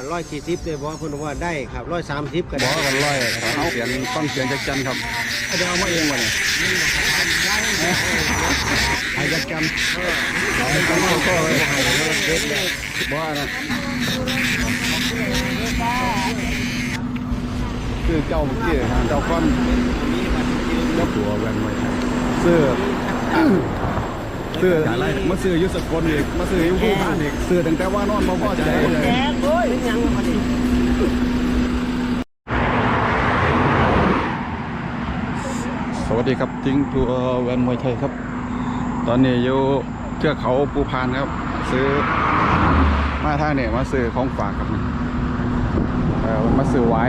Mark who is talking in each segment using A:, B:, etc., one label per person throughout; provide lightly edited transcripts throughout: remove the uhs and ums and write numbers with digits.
A: 140เลยบอกเพิ่นว่าได้ครับ130ก็
B: บ
A: ได้
B: อกกันเขาเขียนต้องเขียนจักจันครับเดี๋ยวเอามาเองวะเนี่ยไอ้จักจันไอ้จักจันก็เลยบอกนะคือเจ้าเมื่อกี้เจ้าก้อนเจ้าผัวแวนไว้เสื้ออะไรมาซื้อยุสกลอีกมาซื้อยุผู้ผ่านอีกซื้อตั้งแต่ว่านอนมาพ่อใจเลย
A: แจ๊กโอ้ยยังมาดิ
B: สวัสดีครับทิ้งทัวร์แวนมวยไทยครับตอนนี้อยู่เทือกเขาภูพานครับซื้อมาทางเนี่ยมาซื้อของฝากครับมาซื้อไว้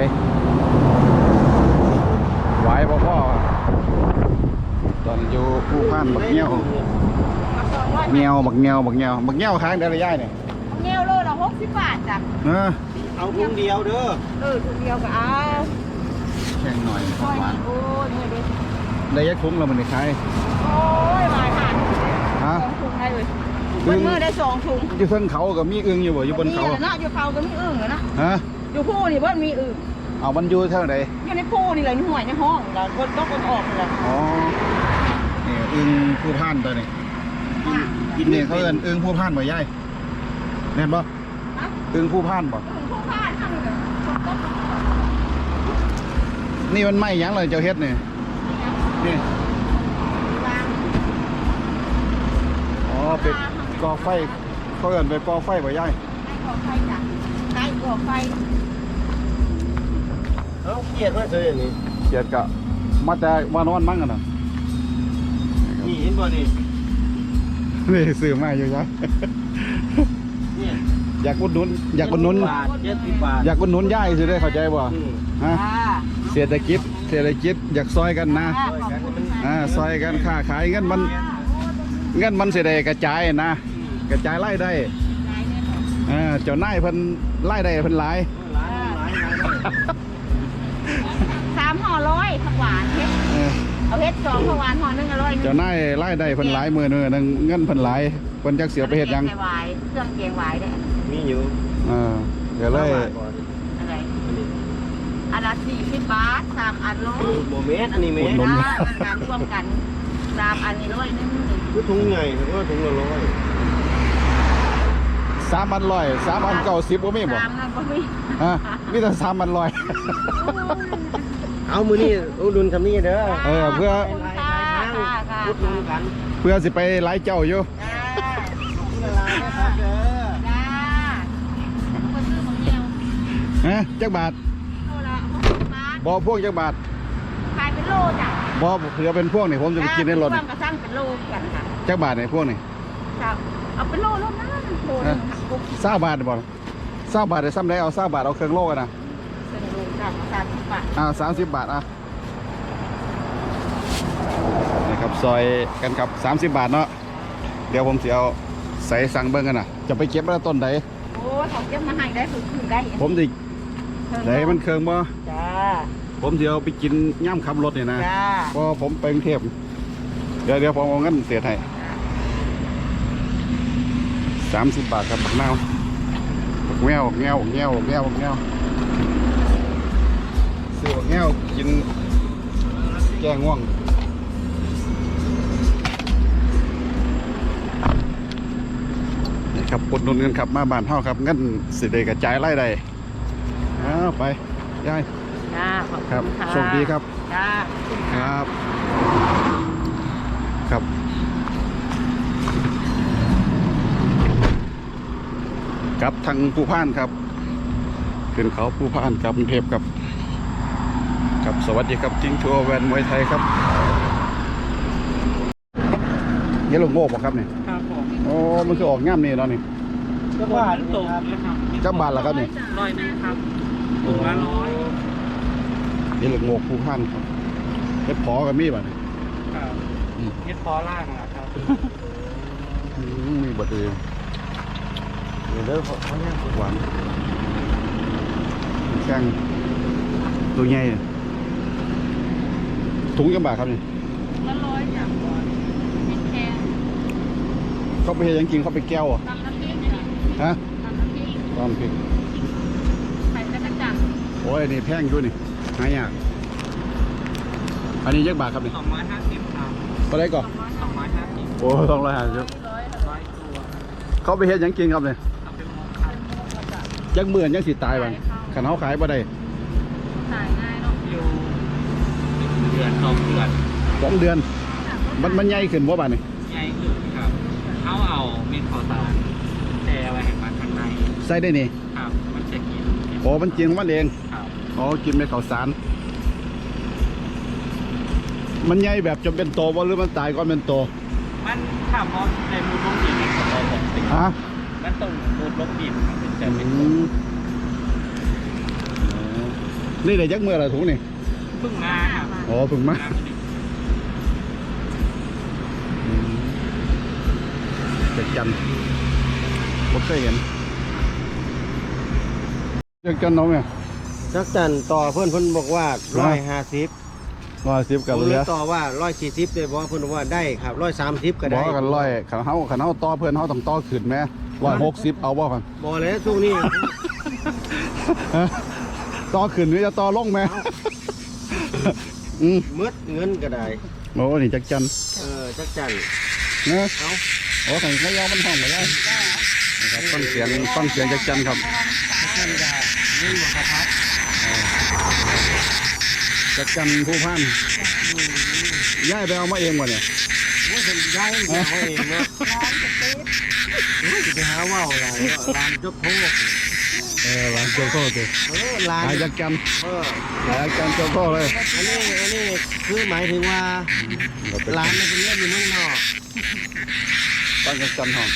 B: พ่อตอนอยู่ภูพานบักเงี้ยวค้างได้ระยะเนี่ย
C: เงี้ยวโลละ60 บาทจ้ะ
A: เอาถุงเดียวเด้อ
C: ถุงเดียวก็เอา
B: แข่งหน่อยของหวาน
C: โอ้ยนี่ดิ
B: ได้ยักคุ้มเรามันได้ใช้
C: โอ้ยหลายหัน
B: ฮะ
C: 2 ถุงได้เลยบนมือได้2 ถุง
B: อยู่เส้นเขากับมีอึงอยู่บ่อยู่บนเขา
C: เนาะอยู่เขาก็มีอึ่งนะ
B: ฮะ
C: อยู่ผู้นี่เพิ่นมีอึ่ง
B: เอามันอยู่เท่าไหร่
C: อยู่ในผู้นี่เลยในห้วยในห้องแล้วก็ต้องออกเลย
B: อ๋อนี่อึงภูพานตัวนี้กินเนี่ยเขาเอิ้นอึงภูพานบ่ยายแน่นบ่อึงภูพานบ่
C: ผู้พานทั้งเลย
B: นี่มันไหม้หยังเลยเจ้าเฮ็ดนี่นี่อ๋อเป็นกอไฟเขาเอิ้นเป็นกอไฟบ่ยาย
C: ให้ก่อไฟจ้ะให้ก่อไฟ
A: เอาเกียดมาซื้ออย่างนี้
B: เขียดกะมาแต่มานอนมั่งกันน่ะ
A: นี่เห็นบ่นี่
B: นี่ซื้อมาอยู่จ้ะ
A: เนี่ย
B: อยากอุดหนุนอยากอุดหนุน
A: บาท70 บาท
B: อยากอุดหนุนยายสิได้เข้าใจบ่ฮะ เศรษฐกิจอยากซอยกันนะซอยกันค้าขายเงินมันสิได้กระจายนะกระจายรายได้เจ้านายเพิ่นรายได้เพิ่นหลาย
C: 3 ห่อ100ผักหวานเฮ็ดเอาเฮ็ด2ผักหวานห่อนึง100
B: เจ้านายรายได้เพิ่นหลายมื้อนึงนึงเงินเพิ่นหลายเพิ่นจักเสียไปเฮ็ดหยัง
C: เครื่องแกงหวายได้
A: มีอยู่
B: เดี๋ยวเลย
C: อะไรอันละ40 บาท3 อันโล
A: โมเมนต์อันนี้เมตร
C: การร่วมกัน3 อันนี้100นึง
A: คือถุงใหญ่ผมว่าถุงละ100
B: 3,100 3,090บ่มีบ่
C: 3นั่นบ่มี
B: ฮะมีแต่3,100
A: เอามือนี่อุดหนุนคำนี้เด้อ
B: เพื่อ
A: อุดหนุนกัน
B: เพื่อสิไปหลายเจ้าอยู่
C: จ้าคนซื้อของเดียว
B: ฮะจักบาท
C: โลละ60 บาท
B: บ่พวกจักบาท
C: ขายเป็นโลจ้ะ
B: บ่เผื่อเป็นพวกนี่ผมจะไปกินในรถ
C: ควา
B: นี่
C: มกระสั่งเป็นโลกันค่ะ
B: จักบาทนี่พวกนี่
C: ครับเอาเป็นโลนะโลนึงค่ะ
B: 20บาทบ่20บาทได้ซ้ำได้เอา20บาทเอาเครื่องโลกันนะ
C: เป็นโลจ้ะ30 บาท
B: 30 บาทนี่ครับซอยกันครับ30 บาทเนาะเดี๋ยวผมสิเอาใส่สั่งเบิ่งกันน่ะจะไปเก็บมาต้นใด
C: โอ้ยของเก็บมาให้ได้คือได้
B: ผมสิได้มันเครื่องบ่
C: จ้า
B: ผมสิเอาไปกินย่ำขับรถนี่นะ
C: จ้า
B: เพราะผมไปกรุงเทพเดี๋ยวผมเอาเงินเสียให้30 บาทครับบักนาวบักแง้วซื้อบักแง้วกินแก้ง่วงนี่ครับอุดหนุนกันครับมาบ้านเฮาครับเงินสิได้กระจายรายได้ไปยาย
C: จ้าขอบ
B: ครั
C: คุ
B: บ
C: ณค่ะ
B: โชคดีครับ
C: จ้า
B: ครับกับทางภูพานครับขึ้นเขาภูพานกับกรุงเทพครับสวัสดีครับทิ้งทัวร์แวนมวยไทยครับนี่ลูกโง่ป่ะครับเนี่ย
A: ครับผม
B: โอ้มันคือออกง่ามนี่เนาะนี่
A: ก็บาทตกนะครับ
B: จับบาทละครับนี่
A: 100 นึงครับถุงละ100
B: นี่ลูกโง่ภูพานครับเฮ็ดพอกับมีบ่เนี่ย
A: ครับเฮ็ดพอล่างนะครับ
B: มีบะดือเด้อเขาเนี่ยหวานแข้งตัวใหญ่ถุงจังบาทครับนี่
C: ละ100จ้ะเป็นแค่
B: เขาไปเฮ็ดหยังกินเขาไปแก้วอ่ะ
C: ตำน้ำพริกจ้ะ
B: ฮะ
C: ตำน้ำพริก
B: ตอนพริกโอ้ยนี่แพงอยู่นี่หายากอันนี้ยักบาทครับนี่
A: 250ครับ
B: เท่าไหรก่อน
A: 250
B: โอ้250
A: 100ตัว
B: เขาไปเฮ็ดหยังกินครับเนี่ย
A: เอาไปมองครับ
B: ยักเมื่อนยังสิตายบ้างขันเขาขายบ่ได้
C: ขายง่ายเนาะ
A: อยู่1 เดือน 2 เดือน
B: 2 เดือนมันใหญ่ขึ้นบ่บ้านนี่
A: ใหญ่ขึ้นครับเอาเม็ดข้าวสารแต่ไว้ให้มันข้างใน
B: ใส่ได้นี่
A: ครับมันจะกิน
B: โอ้มันกินของมันเอง
A: ครับ
B: อ๋อกินในข้าวสารมันใหญ่แบบจนเป็นโตบ่หรือมันตายก่อนเป็นโต
A: มันถ้าพอในมูลลงดินนี่ก็พอผมติด
B: ฮะ
A: มันต้องมูลลงดินมันถึงจะเป็น
B: นี่ได้ยักเมื่อไรถุงนี่
A: เพิ่งมาครับ
B: อ๋อเพึ่งมาเด็กจันผมเคยเห็นเด็กจันน้องเนี่ย
D: จักจันต่อเพื่อนบอกว่า150
B: 110กับ
D: ผม
B: เห
D: เล
B: ลื
D: ย
B: อ
D: ต่อว่า140เลยบอกว่าเพื่อนบอกว่าได้ครับ130ก็
B: บ
D: ได้
B: อกกันขันเขาต่อเพื่อนเขาต้องต่อขึ้นไหม160เอาบ่กัน
D: บอกเลยช่วงนี้
B: ต่อขึ้นหรือจะต่อลงไหมอืม
D: มืดเงินก็ได้
B: โอ้นี่จักจัน
D: จักจัน
B: นะ
D: เอา
B: โอ้ขันเขายาวมันห้องไปได้นะครับฟังเสียงจักจันครับ
D: จักจันได้นี่หมดครับ
B: จักจันผู้พันย้ายไปเอามาเองวะเนี่ย
D: ว่าเป็นได้เอาเองเนาะจะไปหาว่าวอะไรร้านจกโทษ
B: ร้านโจโก้ตัว
D: ร้าน
B: ขายจักจัน
D: เออ
B: ขายจักจันโจโก้เลย
D: อันนี้คือหมายถึงว่าร้านมันเป็นเรื่องอยู่เมืองนอก
B: ตั้งจักจันห้อง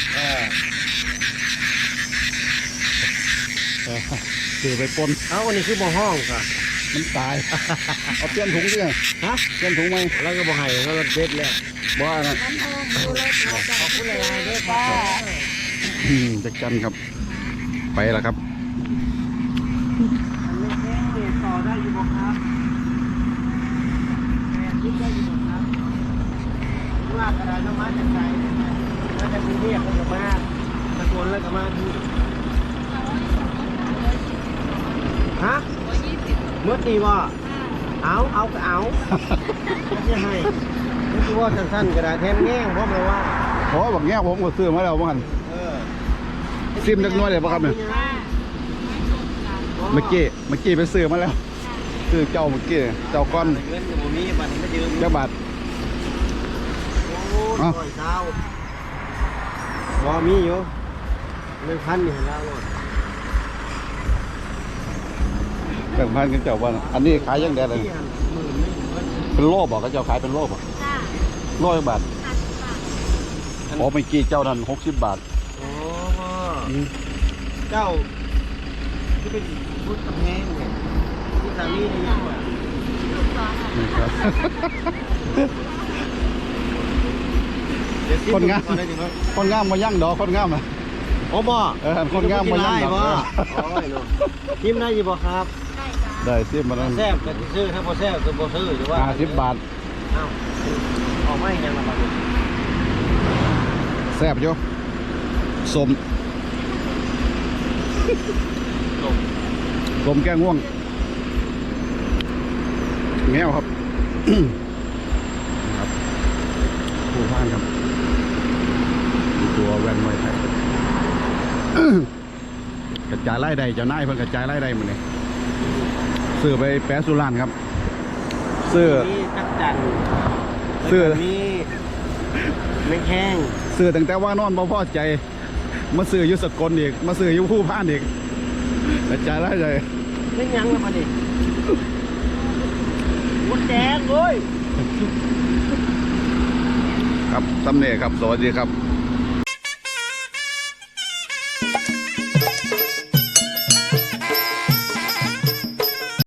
B: ถือไปปน
D: เอาอันนี้คือบ่ห้องค่ะ
B: มันตาย เอาเปลี่ยนถุงดิ
D: ฮะ
B: เปลี่ยนถุงไหม
D: แล้วก็บ่ให้แล้วก็เด็ดแล้ว
B: บ้านะ
D: ขอบคุณหลายๆด้วยค่ะ
B: จักจันครับ ไปแล้วครับ
D: ต่อได้อยู่บ่ครับคิดได้อยู่บ่ครับว่ากระดาษน้ำมันจากไหนมาจากกรุงเทพแล้วก็มาตะโกนแล้วก็มาที่ฮะเมื่อตีว่าเอาก็เอาไม่ให้ไม่คิดว่าสั้นๆกระดาษแทนแง่งเพราะมันว่า
B: โอ้บักแง่ผมก็ซื้อมาแล้วบ้าน
D: เออ
B: ซิมเล็กน้อยเลยป่ะครับเนี่ยเมื่อกี้ไปซื้อมาแล้วซื้อเจ้าเมื่อกี้เจ้าก้อน
D: เงินอยู่มีบัตรไม่ยืม
B: เจ้าบาท
D: โอ้ยร้อยเช้าพอมีอยู่1,000นี่เห็นแล้วโลด
B: แบ่งพันกันเจ้าบ้านอันนี้ขายยังแดดเลย เป็นโลบอกก็เจ้าขายเป็นโลบอ่ะ
C: จ้า
B: โลละบาท
C: 50 บาท
B: โอ้เมื่อกี้เจ้านั้น60 บาท
D: โอ้เจ้าที่เป็นพุทธแห้งเนี่ยที่สามีได้ยังไง
C: ลูกสองอ่ะ
B: นี่ครับ คนงาม คนงามมายั่งดอกคนงามอ่ะ
D: โอ้บ่
B: คนงามมายั่งดอก
D: บ่โอ้ยเนาะทิมได้อยู่บ่ครับ
C: ได้จ้า
B: ได้ซิมมาแล้ว
D: แซ่บก็สิซื้อถ้าบ่แซ่บก็บ่ซื้อหรือว่า
B: 50 บาท
D: เอ้าเอาไม่ยังละบาดนี้
B: แซ่บอยู่สมสมแก้ง่วงแง่วครับ ครับผู้พานครับตัวแวนไว้ไทย กระจายไล่ใดเจ้านายเพิ่งกระจายไล่ใดหมดเลยซื้อไปแปะสุรานครับซื้อ
D: มีจักจัน
B: ซื้อ
D: มีแมงแข้ง
B: ซื้อตั้งแต่ว่านอนบ่พอใจมาซื้ออยู่สกลอีกมาซื้ออยู่ผู้พานอีกกระจายไล่ใด
D: เป็นยังละบาดนี้หมดแดงเว้ย
B: ครับตำเน่ครับสวัสดีครับ